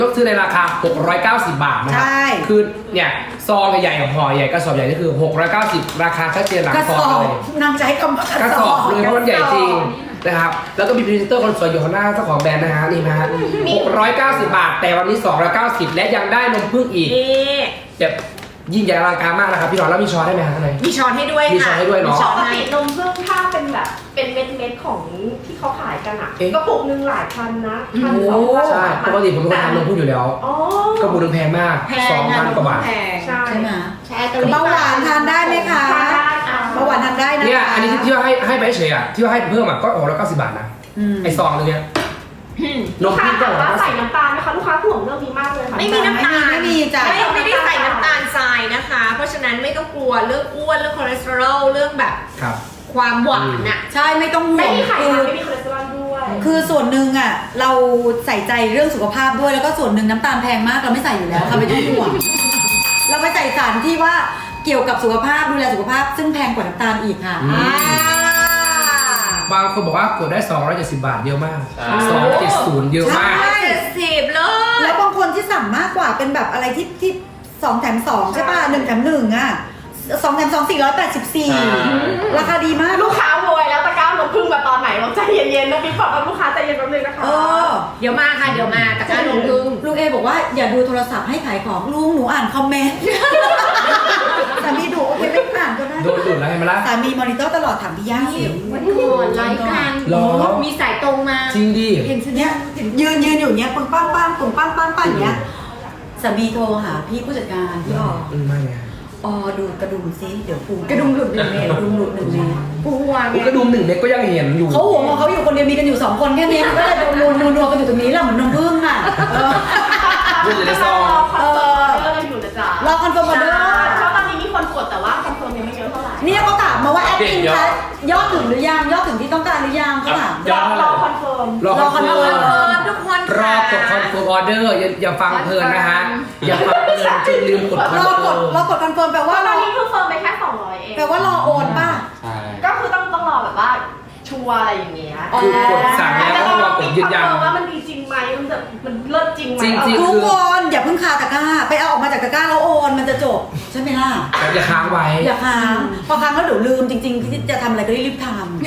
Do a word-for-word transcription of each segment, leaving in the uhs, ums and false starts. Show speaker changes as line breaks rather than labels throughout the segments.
ก็ซื้อในราคาหกร้อยเก้าสิบบาทนะครับคือเนี่ยซองใหญ่ๆห่อใหญ่กระสอบใหญ่นี่คือหกร้อยเก้าสิบราคาชัดเจนหลังซองเลย
นางใช้คำว่าก
ระสอบเลยเพราะมันใหญ่จริงนะครับแล้วก็มีพรีเซนเตอร์คนสวยอยู่ข้างหน้าเจ้าของแบรนด์นะฮะนี่นะฮะหกร้อยเก้าสิบบาทแต่วันนี้สองร้อยเก้าสิบและยังได้นมผึ้งอีกแบบยิ่งใหญ่อลังการมากนะครับพี่หนอนแล้วมีช้อนได้ไหมฮะข้างใน
มีช้อนให้ด้วยค่ะ
มีช้อนให้ด้วยเนาะ
ปกตินมผึ้งถ้าเป็นแบบเป็นเม็ดเม็ดๆของที่เขาขายกันอ่ะ
เอ๊ะ
กระปุกหนึ่งหลายพันนะพัน
โอ้
สองพัน
ใช่ปกติผมเป็นคนทานนมผึ้งอยู่แล้ว
อ๋อ
ก็บุญแพงมาก
แพ
สอง
ง
พันกว่าบาท
แพง
ใช่
ใช่ไหม
ใช่ตัวนี้
เบาหวานทานได้ไหมคะ
ทานได้ค่ะ
เบาหวานทานได้นะคะ
เนี่ยอันนี้ที่ว่าให้ให้ไปเฉยอ่ะที่ว่าให้เพิ่มอ่ะก็หกร้อยเก้าสิบบาทนะ
อืม
ไอซองนึงเนี่ยน
ลู
ม
กค้า
ผึ้งก็
ถาม
หกร้อย
ว่า
เก้า
ใส่
สิบ
น้ำตาลไหมคะลูกค้าห่วงเรื่องนี้มากเลยค่ะ
ไม่มีน้ำตาล
ไม่มีจ้ะ
ไม่ไม่ได้ใส่น้ำตาลทรายนะคะ เพราะฉะนั้นไม่ต้องกลัวเรื่องอ้วนเรื่องคอเลสเตอรอลเรื่องแบบ
ครับ
ความหวานน่ะ
ใช่ไม่ต้องห่
ไม่
วง
มีไข
คื
มั
อน
ไม่มีคอเลสเตอรอลด้วย
คือส่วนหนึ่งอ่ะเราใส่ใจเรื่องสุขภาพด้วยแล้วก็ส่วนหนึ่งน้ำตาลแพงมากเราไม่ใส่อยู่แล้วค่ะไม่ต้องห่วงเราไปใส่สารที่ว่าเกี่ยวกับสุขภาพดูแลสุขภาพซึ่งแพงกว่าน้ำตาลอีกค่ะ
อืม
อ่า
บางคนบอกว่ากดได้สองร้อยเจ็ดสิบบาทเยอะมากสองเจ็ดศูนย์เยอะมาก
ใช่
เจ็ดสิบเลย
แล้วบางคนที่สั่งมากกว่าเป็นแบบอะไรที่ที่สองแถมสองใช่ป่ะหนึ่งแถมหนึ่งอ่ะสองแถมสองสี่ร้อยแปดสิบสี่ราคาดีมาก
ลูกค้าโวยแล้วตะกร้านมผึ้งมาตอนไหนเราใจเย็นๆนะพี่บอกกับลูกค้าใจเย็นแป๊บนึงนะคะ
เออ
เดี๋ยวมาค่ะเดี๋ยวมาตะกร้าลงพึ่ง
ลุงเอบอกว่าอย่าดูโทรศัพท์ให้ขายของลุงหนูอ่านคอมเมนต์ สามีดูโอเคไม่อ่านก็ได้
โดนดุดแล้วเห็นไหมล่ะ
สามีมอนิเตอร์ตลอดถามพี่ย่าสิ
วันก่อนไลฟ์กัน
หรอ
มีสายตรงมา
จริงดิ
เห็นสิเนี้ยยืนยืนอยู่เนี้ยปังปังปังปังปังปังปังอย่างเงี้ยสามีโทรหาพี่ผู้จัดการพี่ออ
อืมไม่ไง
ออดูกระดุมซิเดี๋ยวปู
กระดุมหลุดหนึ่งเมตร
กระดุมหลุดหนึ่งเมตร
กลัวไง
กระดุมหนึ่งเม็ดก็ยังเห็นอยู่
เขาห่วงของเขาอยู่คนเดียวมีกันอยู่สองคนแค่นี้มันก็เลยนัวนัวนัวกันอยู่ตรงนี้แหละเหมือนนมผึ้งอ่ะเออ
พูดอยู่ในซอง
คอนเฟิร์มเรื่องอยู่นะจ๊ะ
รอคอนเฟิร์มออเดอร์
เพราะตอนนี้มีคนกดแต่ว่าคอนเฟิร์มยังไม่เยอะเท่าไหร่
เนี่ยเขาถามมาว่าแอดมินคะยอดถึงหรือยังยอดถึงที่ต้องการหรือยังเขาถาม
รอรอคอนเฟิร์ม
รอคอนเฟิ
เอ
ร์ม
อทุกคน
รอกดคอนเฟิร์มออเดอร์อย่าอย่าฟังเพลินนะฮะอย่าฟังเพลินจนลืมกดคอน
รอ
เฟิ
กด
ร์ม
รอกดคอนเฟิร์มแปลว่า
ต
ร
อน
อ
นี้เพิ่งเฟิร์มไปแค่สองร้อยเอง
แปลว่ารอโอนป่ะ
ใช่
ก็คือต้องต้องรอแบบว่าชัวร์อะไรอย่างเงี้ย
คือกดสั่งแล้วก็ต้องรอกดยืนยัน
ว่ามันดีจริงไหมมันจะมันเลิศจริงไหม
จริงๆ
ทุกคนอย่าเพิ่งคาตะกร้าไปเอาออกมาจากตะกร้าแล้วโอนมันจะจบใช่ไหมล่ะ
อย่าค้างไว้
อย่าค้างพอค้างแล้วเดี๋ยวลืมจริงๆที่จะทำอะไรก็รีบๆท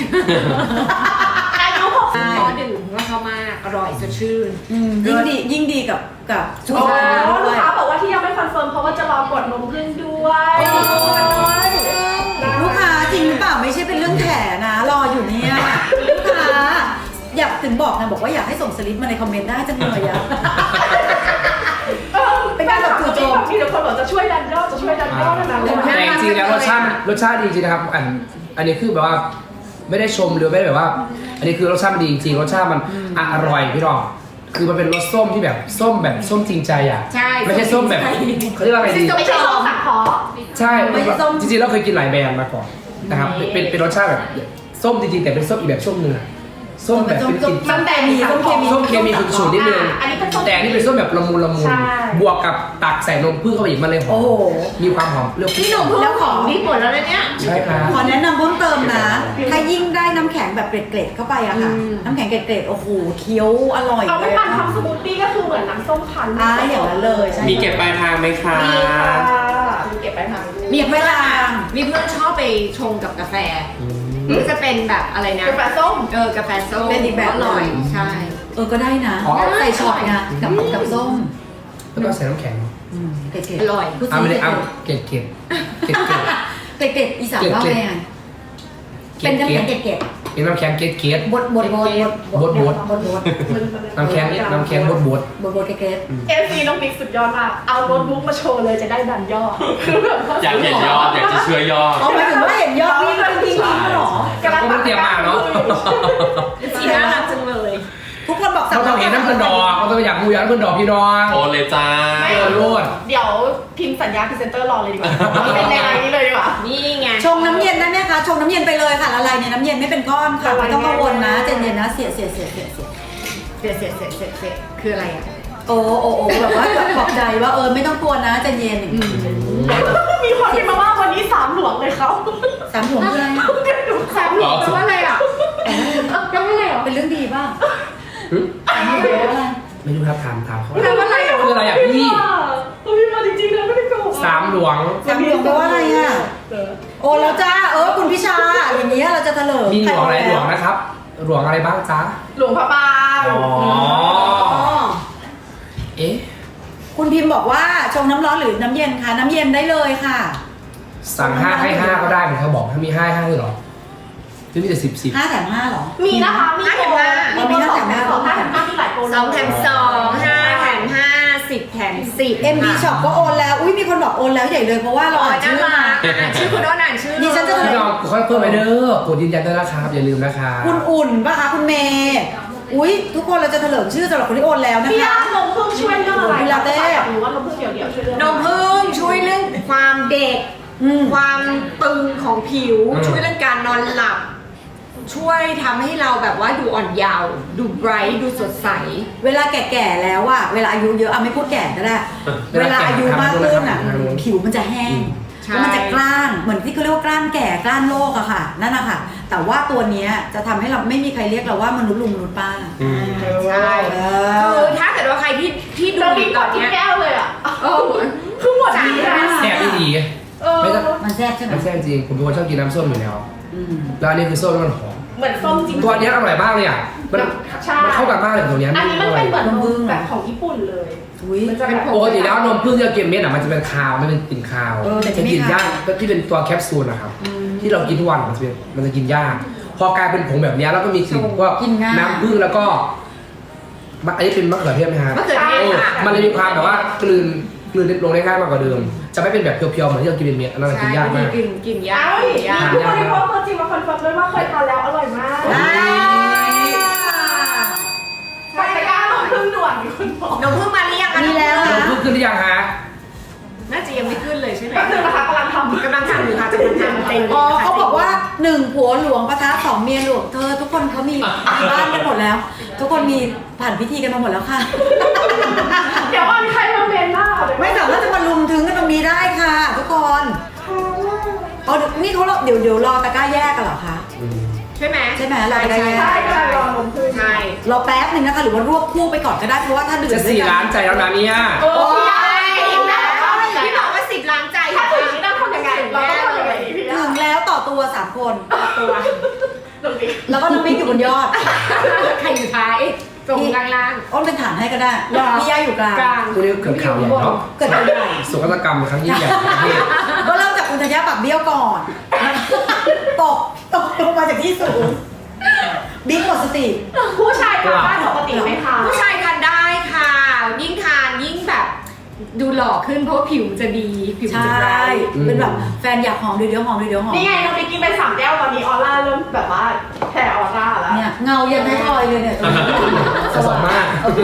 อายุหกสิบ
พอดื่มว่าเขามากอร่อยสดชื่น
ำอืมยิ่งดียิ่งดีกับกับ
อ๋อ
ด้
ลู
ว
ก
ย
ค้าบอกว่าที่ยังไม่คอนเฟิร์มเพราะว่าจะรอกดนมผึ้งด้วย
ลูกค้าจริงหรือเปล่าไม่ใช่เป็นเรื่องแถนะ รออยู่เนี่ยลูกค้าอยากถึงบอกนะบอกว่าอยากให้ส่งสลิปมาในคอมเมนต์ได้จังเลยอะ
เป็นการแบบจู่โจมมีแต่คนบอกจะช่วยดันยอดจะช่วยดันยอดนะ
แต่จริงๆแล้วรสชาติรสชาติดีจริงๆนะครับอันอันนี้คือแบบว่าไม่ได้ชมหรือไม่ได้แบบว่า อันนี้คือรสชาติมันดีจริงๆรสชาติมันอร่อยพี่รองคือมันเป็นรสส้มที่แบบส้มแบบส้มจริงใจอ่ะ
ใช่
ไม่ใช่ส้มแบบเขาเรียกว่าอะไรดี
ไม่ใช่ส้มสังเคราะห์
ใช่จริงๆเราเคยกินหลายแบรนด์มาก่อนนะครับเป็นเป็นเป็นรสชาติแบบส้มจริงๆแต่เป็นส้มอีกแบบส้มหนึ่งอะส้มแบบเป็นกลิ่น
มันแต่มี
ส้มเคมี
ส้มเคมีฉุนๆนิดนึง
อันนี้เป็นส้ม
แต่อันนี้เป็นส้มแบบละมุนละมุน
ใช่
บวกกับตักใส่นมผึ้งเข้าไปอีกมันเลยหอ
โอ้
ม
โห
มีความหอมเปรี้ยว
พี่หนุ่มพูดของดีหมดแล้วนะเนี่ย
ใช่ครับ
ขอแนะนำเพิ่มเติมนะ ถ้ายิ่งได้น้ำแข็งแบบเกล็ดๆเข้าไปอะค่ะ
อืม
น้ำแข็งเกล็ดๆโอ้โหเคี้ยวอร่อย
เอา
เล
ไป
ย
ปั่น
อะ
ทำสมูทตี้ก็คือเหมือนน้ำส้มคั้น
อ่าอย่างนั้นเลยใช่
มีเก็บปลายทางไหมคะ
มีค่ะมีเก็บไปทำด้วย
มีเพื่อนมีเพื่อนชอบไปชงกับกาแฟหรือจะเป็นแบบอะไรนะ
กาแฟส้ม
เออกาแฟส้ม
เป็นอีกแบบ
อร่อย ใช่
เออก็ได้นะ
อ๋อ
ใส่ช็อตไงกับกับส้ม
แล้วก็ใส่น้ำแข็ง
อืมเกล็ด
อร่อย
ๆพูด
เอา
ซิ
ไม่ได้
เก
เอา
ล็ด
เกล็ดเกล็ดเกล็ดเกล็ด
ๆเกล็ดๆอีสานว่าไงอะ
เกล็
เป็
ด
นน้ำ
เกล็
แข็
ด
งเกล็ด
เป็นน้ำแข็งเกล็ดเกล็ด
ๆบดบดบดบด
บดบด
บดบด
น้ำแข็งน้ำแข็งบดบด
บดบดเกล็ด
เอฟซีน้องบิ๊กสุดยอดมากเอาโน้ตบุ๊กมาโชว์เลยจะได้ดันยอดคือแบบ
อยากเห็นยอด อยากจะเชื่อยอด
ๆอ๋อหมายถึงว่าเห็นยอดนี่เป็นทิ้งๆเหรอ
กำลัง
ก็ไม่เตรียมมาเนาะ
สีน่ารักจังเลย
ทุกคนบอกสั่
เราต้องเห็นน้ำเพื่อนดอกเราต้องอยากมูอยากน้ำเพื่อนดอกพี่น้อง
โอนเลยจ้า
เออโลด
เดี๋ยวพิมพ์สัญญาพรีเซนเตอร์รอเลยดีกว่าเป็นในไลน์นี้เลยดีกว่า
นี่ไง
ชงน้ำเย็นได้ไหมคะชงน้ำเย็นไปเลยค่ะละลายในน้ำเย็นไม่เป็นก้อนค่ะไม่ต้องกังวลนะใจเย็นนะเสียเสียเสียเสียเสีย
เสร็จเสร็จเสร็จเสร็จเสร็จคืออะไรอ่ะ
โอ้โอ้โอ้แบบว่าปลอบใจว่าเออไม่ต้องกลัวนะใจเย็น
มีคนพิมพ์มาว่าวันนี้สามหลวงเลยเขา
สามหัวคืออะไรอะ
สามหลวงแปลว่าอะไรอ่ะแปลว่าอะไรอ่ะ
เป็นเรื่องดีป่ะ
หึ
สามหัวแปลว่าอะไร
ไม่รู้ครับถามถามเขา
แปลว่าอะไรอ่ะ
พี่
เขาพิมพ์มาจริงๆนะไม่ได้โกหก
สามหลวง
สามหลวงแปลว่าอะไรอ่ะโอ้แล้วจ้าเออคุณพิชาอย่างนี้ยเราจะเถลิง
มีหลวงอะไรหลวงนะครับ หลวงอะไรบ้างจ๊ะ
หลวงพระบาง
อ๋อ
อ๋อ
เอ๊ะ
คุณพิมพ์บอกว่าชงน้ำร้อนหรือน้ำเย็นคะน้ำเย็นได้เลยค่ะ
สั่งห้าให้ห้าก็ได้เหมือนเขาบอกถ้ามีห้าให้ห้าเลยเหรอหรือมีแต่สิบสิบ
ห้าแถมห้าเหรอ
มีนะคะมีโปรมีโปรสองแถมสองห้าแถมห้ามีหลายโปร
สองแถมสองห้าแถมห้าสิบแถมสิบ
เอ็ม บี Shop ก็โอนแล้ว อุ้ยมีคนบอกโอนแล้วใหญ่เลยเพราะว่าเรา
อ๋อ
อ่าน
น่า
ชื่อ
รั
มาก
อ่านชื่อคุณอ้นอ่านชื่อ
ดิฉันจะ
พี่น้องค่อยเพิ่มไปเด้อกดยืนยันด้วยนะครับอย่าลืมนะครับ
คุณอุ่นป่ะคะคุณเมย์อุ้ยทุกคนเราจะเถลิงชื่อสำหรับคนที่โอนแล้วนะ
พี่
คะ
ยานมพึ่งช่วยเรื่องอะไร
พี่ลาเต้
หรือว่านมพึ่งเดี่ยวๆช่วยเรื่อง
นมพึ่งช่วยเรื่องความเด็ก
อืม
ความตึงของผิว
อืม
ช่วยเรื่องการนอนหลับ ช่วยทำให้เราแบบว่าดูอ่อนเยาว์ดูไบรท์ดูสดใส
เวลาแก่ๆแล้วอะเวลาอายุเยอะอะไม่พูดแก่ก็ได้ เวลาอายุมากขึ้นอะผิวมันจะแห้ง
ใช่
แล้วมันจะกล้านเหมือนที่เขาเรียกว่ากล้านแก่กล้านโรคอะค่ะ นั่นอะค่ะ แต่ว่าตัวเนี้ยจะทำให้เราไม่มีใครเรียกเราว่ามนุษย์ลุงมนุษย์ป้า
อืม
ใช่
เอ
คือ
อ
ถ้าเกิดว่าใครที่ที่ดู
เรา
อ
มี
ยู่
ก
ตอ
ด
น
ทุก
เนี้ย
แก้วเลยอ่ะ
เออ
คือหมดดีนะ
แซ่บไม่ดี
เออ
ไม่ต้อง
มันแซ่บใช่ไหม
มันแซ่บจริงผมเป็นคนชอบกินน้ำส้มอยู่แล้ว
อืม
แล้วอันนี้คือส้มแล้วมันหอม
เหมือนส้มจริง
ตัวเนี้ยอร่อยมากเลยอ่ะมัน
ใช่
มันเข้ากันมากเลยกับตัวเนี้ย
อันนี้มันเป็นเหมือน
นม
น
พึ่
ม
ง
แบบของญี่ปุ่นเลย
อุ้ย
มันจะแบบ
ปกติแล้วนมพึ่งที่เรากินเม็ดอ่ะมันจะเป็นคาวมันเป็นกลิ่นคาว
เออแต่
จะ
ที่
กิน
ไม่
ยา
คาว
กที่เป็นตัวแคปซูลนะครับที่เรากินทุกวันมันจะเป็นมันจะกินยากพอกลายเป็นผงแบบเนี้ยแล้วก็มีกลิ่นพวก
กินง่าย
น้ำผึ้งแล้วก็มะอันนี้เป็นมะเขือเทศไหมฮะ
มะเขือเทศ
โอ้
ค่ะ
มันเลยมีความแบบว่ากลืนกลืนลงได้ง่ายมากกว่าเดิม จะไม่เป็นแบบเพียวๆเหมือนที่เรากินเป็นเม็ดอันนั้นกินยากมาก
กินกินยา
เอ้
ก
ย
กินยาก
มีผู้บริโภคตัวจริงมาคอนเฟิร์มด้วยว่าเคยทานแล้วอร่อยมาก
อ่า
ไปตะกร้านมพึ่งด่วนมีคนบอก
นมพึ่งมาหรือยังคะ
มีแล้ว
นมพึ่งขึ้นหรือยังฮะ
น่าจะยังไม่ขึ้นเลยใช่ไหม
แป๊บนึงนะคะกำลังทำ
กำลังทำอยู่ค่ะกำลังทำเต็ม
อ๋อเขาบอกว่าหนึ่งผัวหลวงปะทะสองเมียหลวงเธอทุกคนเขามีมีบ้านกันหมดแล้ว ทุกคนมีผ่านพิธีกันมาหมดแล้วค่ะ
เดี๋ยววันใครมาเมนหน้าเดี๋ยว
ไม่สามารถจะมาลุมถึงกันตรงนี้ได้ค่ะ ทุกคนเอานี่เขาเดี๋ยวเดี๋ยวรอตะกร้าแยกกันเหรอคะ
ใช่ไหม
ใช่ไหมเราไปได้
ใช่
ใช่
ใช่
กำลังรอนมพึ่ง
ใช่
รอแป๊บหนึ่งนะคะหรือว่ารวบคู่ไปก่อนก็ได้เพราะว่าถ้าดื่ม
จะ
ด้วย
สี่
กั
ล้านใจแล้วนะเนี่ย
โอ้ย
พี่บอกว่าสิบล้านใจ
ถ้าถึงนี้ต้องทำยังไงเราต้องทำยังไงดีพี่
ถึงแล้วต่อตัวสามคน
ตัว
ตรงนี้
แล้วก็น้องบิ๊กอยู่บนยอด
ใครอยู่ท้ายตรงกลางล่าง
อ้นเป็นฐานให้ก็ได้
หรอ
พี่ย่าอยู่กลาง
กลาง
คู่นี้เกิดข่าวใหญ่เนาะ
เกิดอะไร
โศกนาฏกรรมครั้งยิ่งใหญ่ของประเทศ
ก็เริ่มจากคุณธัญญาปากเบี้ยวก่อน ตกตกลงมาจากที่สูงบิ๊กหมดสติ
ผู้ชายทานได้ปกติไหมคะ
ผู้ชายทานได้ค่ะ ยิ่งทานยิ่งแบบดูหล่อขึ้นเพราะว่าผิวจะดีผิว
ใช่
จะไบรท์
เป็นแบบแฟนอยากหอมเดี๋ยวเดี๋ยวหอมเดี๋ยวเดี๋ยวหอม
นี่ไงเราไปกินไปสามแก้วตอนนี้ออร่าเริ่มแบบว่าแผ่ออร่าแล้ว
เนี่ยเงายังไม่พอยเลยเนี่ย
สะสมมาก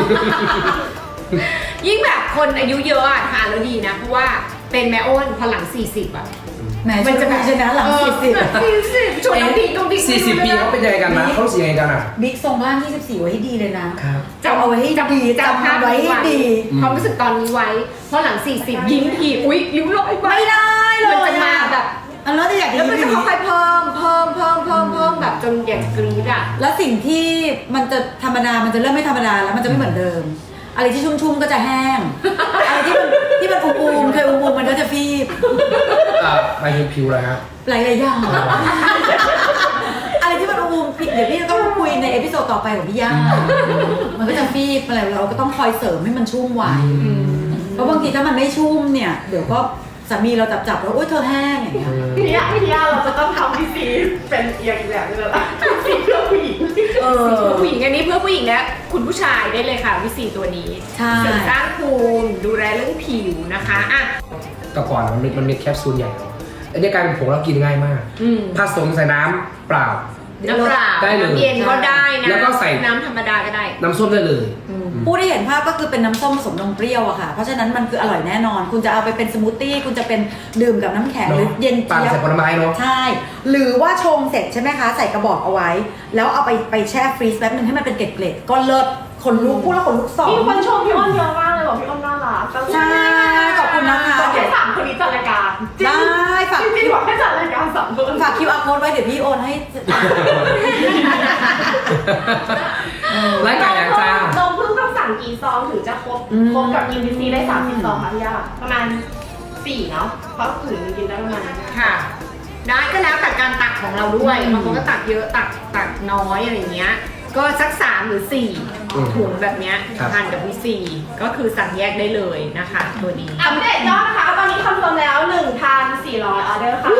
ยิ่งแบบคนอายุเยอะอะทานแล้วดีนะ เพราะว่าเป็นแม่อ้นพอหลังสี่สิบอะ
แหมมันจะมีชนะหลังสี่สิบ
สี่สิบชวนน้องพีน้องพี
สี่สิบปีเขาเป็นยังไงกันนะเขารู้สึกยังไงกันอ่ะ
บิ๊กทรงร่างยี่สิบสี่ไว้ให้ดีเลยนะ
ครับ
จำเอาไว้ให้ดีจำเอาไว้ให้ดี
ความรู้สึกตอนนี้ไว้ เพราะหลังสี่สิบยิ้มทีอุ๊ยริ้วรอยไป
ไม่ได้เล
มัน
ย
จะมาแบบ
อันนั้นจะอยาก
แล้วมัน
ยิ้
จะ
มอย่าง
ค่
นี้
อยๆเพิ่มเพิ่มเพิ่มเพิ่มเพิ่มแบบจนอยากกรี๊ดอะ
แล้วสิ่งที่มันจะธรรมดา มันจะเริ่มไม่ธรรมดาแล้วมันจะไม่เหมือนเดิม อะไรที่ชุ่มๆก็จะแห้ง อะไรที่มันที่มันอุ้มๆเคยอุ้มๆมันก็จะฟีบ
เอ่อไปถึงผิวเลยครับ
หลายๆอย่าง อะไรที่มันอุ้มๆเดี๋ยวพี่จะต้องคุยในเอพิโซดต่อไปของพี่ย่า มันก็จะฟีบอะไรเราก็ต้องคอยเสริมให้มันชุ่มไว้ เพราะบางทีถ้ามันไม่ชุ่มเนี่ย เดี๋ยวก็สามีเราจับๆแล้วโอ๊ยเธอแห้งอย่างเงี้ย
พี่ยาพี่ยาเราจะต้องทำพีซีเป็นเอียงอีกแบบนึงแล้วล่ะพีซีเพื่อผู้หญิง
เออ
เพื่อผู้หญิงอันนี้เพื่อผู้หญิงและคุณผู้ชายได้เลยค่ะวิสีตัวนี้
ใช่
เสริมสร้างภูมิดูแลเรื่องผิวนะคะอ่ะ
แต่ก่อนมันมันมีแคปซูลใหญ่เนอะอันนี้กลายเป็นผงแล้วกินง่ายมาก
อืม
ผสมใส่น้ำเปล่า
น้ำเปล่า
ได้เลย
น้ำเย็นก็ได้นะ
แล้วก็ใส่
น้ำธรรมดาก็ได้
น้ำส้มได้เลย
ผู้ที่เห็นภาพก็คือเป็นน้ำส้มผสมนมเปรี้ยวอะค่ะ เพราะฉะนั้นมันคืออร่อยแน่นอน คุณจะเอาไปเป็นสมูทตี้ คุณจะเป็นดื่มกับน้ำแข็งหรือเย็น
ปั่น
เจี๊ย
ใส่
บ
ผลไม้เนาะ
ใช่ หรือว่าชงเสร็จใช่ไหมคะ ใส่กระบอกเอาไว้ แล้วเอาไปไปแช่ฟรีซแป๊บนึงให้มันเป็นเกล็ดๆก็เลิศขนลุกพูดแล้วขนลุกสอง
มีคนชมพี่อ้นเยอะมากเลยบอกพี่อ้นน่ารัก
ใช่ขอบคุณนะคะ
บอกให้สามคนนี้จัดรายการ
ได้ฝาก
จริงๆบอกให้จัดรายการสามคน
ฝาก คิว อาร์ code ไว้เดี๋ยวพี่โอนให้
รายการอย่างจ้า
นมพึ่งต้องสั่งกี่ซองถึงจะครบ
อืม
ครบกับกินวิซีได้สามสิบซองค่ะพี่ยาประมาณสี่เนาะเพราะถึงกินได้ประมาณนั้น
ค่ะ ได้ก็แล้วแต่การตักของเราด้วย
อืม
บางคนก็ตักเยอะตักตักน้อยอะไรเงี้ย ก็สักสามหรือสี่
อืม
ถุงแบบเนี้ย
ครับ
ทานกับวิซีก็คือสั่งแยกได้เลยนะคะตัวนี้
อัปเดตยอดนะคะตอนนี้คอนเฟิร์มแล้ว หนึ่งพันสี่ร้อย ออเดอร์ค่ะ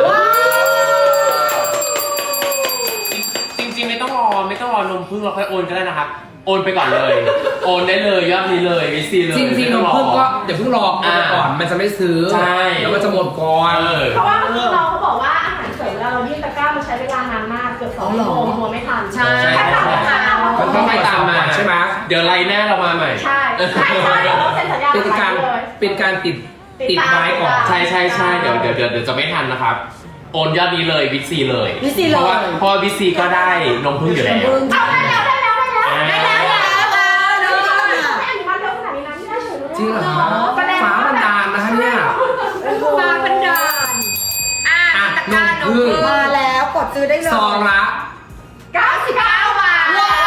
จริงๆไม่ต้องรอไม่ต้องรอนมพึ่งเราค่อยโอนก็ได้นะครับ โอนไปก่อนเลย โอนได้เลยยอดนี้เลยวิซีเลย
จริงๆนมพึ่งก็อย่าเพิ่งรอเอาไปก่อนมันจะไม่ซื้อ
ใช่
แล้วมันจะหมดก่อน
เออ
เพราะว่าเมื่อกี้น้องเขาบอกว่าอาหารเสริมเวลาเรายื่นตะกร้ามันใช้เวลานานมากเกือบสองชั่วโมงกลัวไม่ทัน
ใช่
แค่สั่งตะกร้า
มันต้องไปตามมาใช่ไหม
เดี๋ยวไลน์หน้าเรามาใหม่
ใช่ใช่ใช่เราต้องเซ็นสัญญา
เป็นการ
เลย
เป็นการติด
ติ
ติ
ด
ด
ตาม
ไว้ก่อน
ใช่ใช่ใช่เดี๋ยวเดี๋ยวเดี๋ยวเดี๋ยวจะไม่ทันนะครับ โอนยอดนี้เลยวิซีเลย
วิซีเลย
เพราะว่าเพราะว่าวิซีก็ได้นมพึ่งอยู่แล้ว
เอาได้แล้วได้แล้วได้แล้ว
อ่า
ได้แล้วได้แล้วไม่อนุมัติเร็วขนาดนี้นะไม่ได้เฉยเลย
จริงเหรอครับฟ้าบันดาลนะคะเนี่ย
มาบันดาลอ่ะ
อ่ะ
ตะกร้าน
น
น
ม
ม
พึ่
พึ่
ง
ง
มาแล้วกดซื้อได้เลย
ซองละ
เก้าสิบเก้าบาท
ว้าย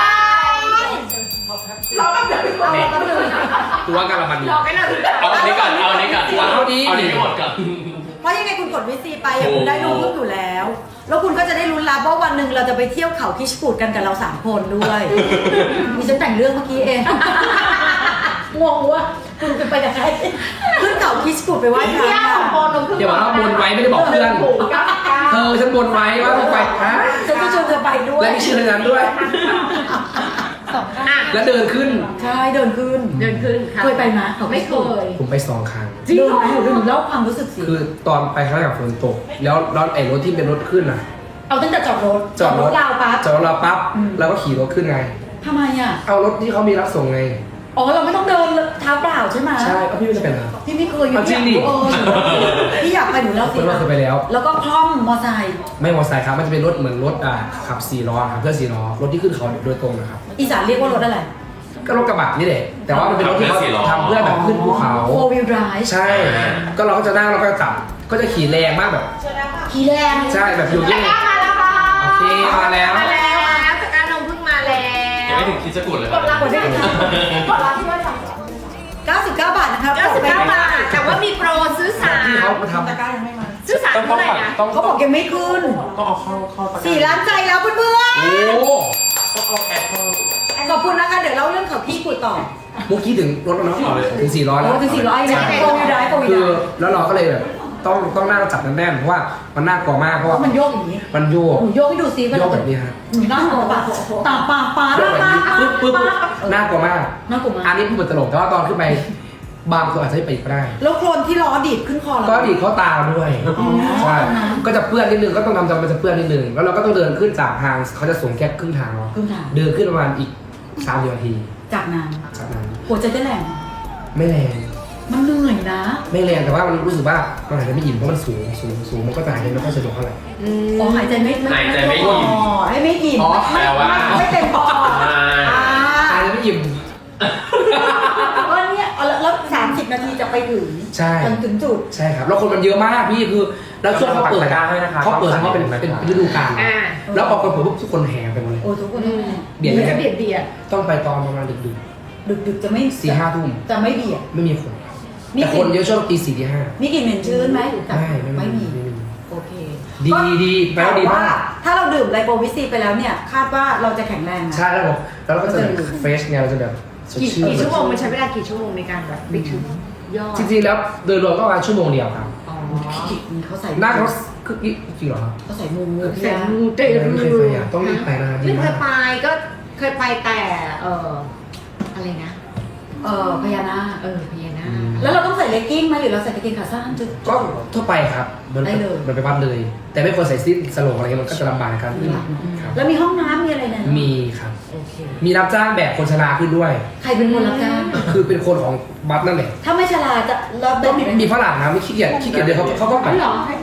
เราแบบเดิน
เอาแล้วก็เลย
ตัวกันละมันดี
รอไปหน่อย
เอาอันนี้ก่อนเอาอันนี้ก่อน
เอาดี
เอาอันนี้ให้หมดก่อน
เพราะยังไงคุณกดวิซีไปอะ
โอ้
คุณได้นมพึ่งอยู่แล้ว แล้วคุณก็จะได้ลุ้นรับว่าวันหนึ่งเราจะไปเที่ยวเขาคิชกูดกันกับเราสามคนด้วยมีฉันแต่งเรื่องเมื่อกี้เองงงว่าคุณจะไปกับใครขึ้นเขาคิชกูดไปไหว้พ
พี่
ระ
ย่าของโบนนมพึ่ง
อย่าบอกว่าบนไว้ไม่ได้บอกเพื่อน
ถูกเก้าสิบเก้า
เธอฉันบนไว้ว่าต้องไปฮะ
ฉันจะชวนเธอไปด้วย
และมีชื่อในนั้นด้วย
อ่ะ
แล้วเดินขึ้น
ใช่เดินขึ้น
เดินขึ้นค่ะ
เคยไปไหมเขา
ไม่เคย
ผมไปสองครั้ง
จริงเหรอหนูหนูเล่าความรู้สึกสิ
คือตอนไปครั้งแรกกับฝนตก แล้วรถไอ้รถที่เป็นรถขึ้นอ่ะ
เอาตั้งแต่จอดรถ
จอดรถ
ราวปั๊บ
จอดรถเราปั๊บ
อืม
เราก็ขี่รถขึ้นไง
ทำไมอ่ะ
เอารถที่เขามีรับส่งไง
อ๋อเราไม่ต้องเดินเท้าเปล่าใช่ไหม
ใช่เอาพี่ไม่จะเป็นอะไร
พี่ไม่เคยอยู่
เอาจริงดิ
เออพี่อยากไปหนูเล่า
ค
สิ
นว่าเคยไปแล้ว
แล้วก็คล่อมมอไซค์
ไม่มอเตอร์ไซค์ครับ มันจะเป็นรถเหมือนรถอ่าขับสี่ล้อครับเพื่อนสี่ล้อ รถที่ขึ้นเขาโดยตรงนะครับ
อีสานเรียกว่ารถอะไร
ก็รถกระบะนี่แหละ แต่ว่ามันเป็นรถที่เขา
ขับเพื่อสี่ล้อ
ทำเพื่อแบบขึ้นภูเขา
โฟวิลไดรฟ์
ใช่ ก็เราก็จะนั่งแล้วก็จับ ก็จะขี่แรงมากแบบ
ขี่แรง
ใช่แบบอยู่
ตะ
ยิ่ง
กร้ามาแล้วค่ะ
โอเคมาแล้ว
มาแล้วตะกร้านมพึ่งมาแล้
ยัง
ว
ไม่ถึงคิดจะกดเลยค
ก
รับ
ดรับกดได้กดรับที่ว่าสั่ง
เก้าสิบเก้าบาทนะคะ
เก้าสิบเก้าบาท แต่ว่ามีโปรซื้อสาม
ที่เขามาทำ
ตะกร้ายังไม่มา
ซื้อสาม
ต้อง
เท่าไหร่นะ
ต้อง
เขาบอกยังไม่ขึ้น
ต้องเอาเข้าเข้าตะกร้
สี่ล้านใจแล้วเพื่อน
โอ้
ต้องเอาแอดเข้า
ๆขอบคุณนะคะเดี๋ยวเล่าเรื่องเขาพี่กุดต่อ
เมื่อกี้ถึงรถแล้วเนาะถึงสี่ล้อแล้ว
โอ้ถึงสี่ร้อยนะโฟวิลไดรฟ์โฟวิล
คือ
ไดรฟ์
แล้วเราก็เลยแบบต้องต้องนั่งจับแน่นๆเพราะว่ามันน่ากลัวมากเพราะว่า
มันโยกอย่างนี้
มันโยก
หนูโยกให้ดูซิ
โยกแบบนี้ฮะ
หนูน่ากลัวปะตาปากปา
โยกแบบนี้ปึ๊บปึ๊บน่ากลัวมาก
น่ากลัวมาก
อันนี้พูดเป็นตลกแต่ว่าตอนขึ้นไปบางคนอาจจะไม่ไปอีกก็ได้
แล้วโคลนที่ล้อดีดขึ้นคอเรา
ก็ดีดเขาตาเราด้วย
อ๋อ
ใช่ก็จะเปื้อนนิดนึงก็ต้องทำจำมันจะเปื้อนนิดนึงแล้วเราก็ต้องเดินขึ้นจากทางเขาจะส่งแค่ครึ่งทางเนาะ
ครึ่งทาง
เดินขึ้นประมาณอีกสามสิบนาที
จากนั้น
จากนั้น
หัวใจเต้นแรง
ไม่แรง
มันเหนื่อยนะ
ไม่แรงแต่ว่ามันรู้สึกว่ามันหายใจไม่อิ่มเพราะมันสูงสูงสูงมันก็จะหายใจไม่ค่อยสะดวกเท่าไหร่
อ๋อหายใจไม่
หายใจไม่อิ่ม
อ๋อให้ไม่อิ่ม
อ๋อ
แปลว่า
ไม่เต็มปอด
อ่า
อ่า
หายใจไม่อิ่ม
ก็เนี่ยเอาแล้วแล้วสามสิบนาทีจะไปถึง
ใช่
จนถึงจุด
ใช่ครับแล้วคนมันเยอะมากพี่คือแล้วช่วงเขาเปิด
ปักตะกร้าให้นะคะ
เขาเปิดเขาเป็น
ต้องสั่ง
เป็น
นะครับ
ฤดูกาล
อ่า
แล้วพอคนเปิดปุ๊บทุกคนแห่ไปหมดเลย
โอ้ทุกคนต้อง
เบียด
มัน
ไหม
จะเบียดเบียด
ต้องไปตอนประมาณดึก
ดึกดึกๆจะไม่
ๆสี่ห้าทุ่ม
จะไม่เบียด
ไม่มีคน
มี
แต่
ก
ค
ลิ่
น
น
เยอะช่วงตีสี่ตีห้า
มีกลิ่นเหม็นชื้นไหม
ไม่ไม่
ไม่
มี
มี
ไม่มี
โอเค
ดี
ก็
ดีแปลว่าดีมาก
ถ้าเราดื่มไลโปวิซีไปแล้วเนี่ย คาดว่าเราจะแข็งแรงนะ
ใช่แล้วผมแล้วเราก็จะแบบเฟรชไงเราจะแบบสด
กี่
ชื่น
กี่ชั่วโมงมันใช้เวลากี่ชั่วโมงในการแบบไปถึงยอด
จริงๆแล้วโดยรวมก็ประมาณชั่วโมงเดียวครับ
อ๋อ
เขาใส่
หน้าเขาคือจริงเหรอครับ
เขาใส่มู
เสร็จมูเต
ไม่เคยไปอ่ะต้องรีบไปนะครับดี
ไม่เค
มาย ก
ไปก็เคยไปแต่เอออะไรนะ
เออพญานาค
เออพญานาค
แล้วเราต้องใส่เลกกิ้งไหมหรือเราใส่กางเกงขาสั้นจุด
ก็ทั่วไปครับมัน
ได้เลย
มันไปวัดเลย แต่ไม่ควรใส่สิ้นสโลงอะไรเงี้ยมันก็จะลำบากในการขึ้นครับ
แล้วมีห้องน้ำมีอะไรเนี่ย
มีครับ
โอเค
มีรับจ้างแบกคนชราขึ้นด้วย
ใครเป็นคนรับจ้าง
คือเป็นคนของวัดนั่นแหละ
ถ้าไม่ชราจะเรา
ก็
เป็น
มีมีฝรั่งนะไม่ขี้เกียจขี้เกียจเดินเขาเขาก็แบบ
เหรอ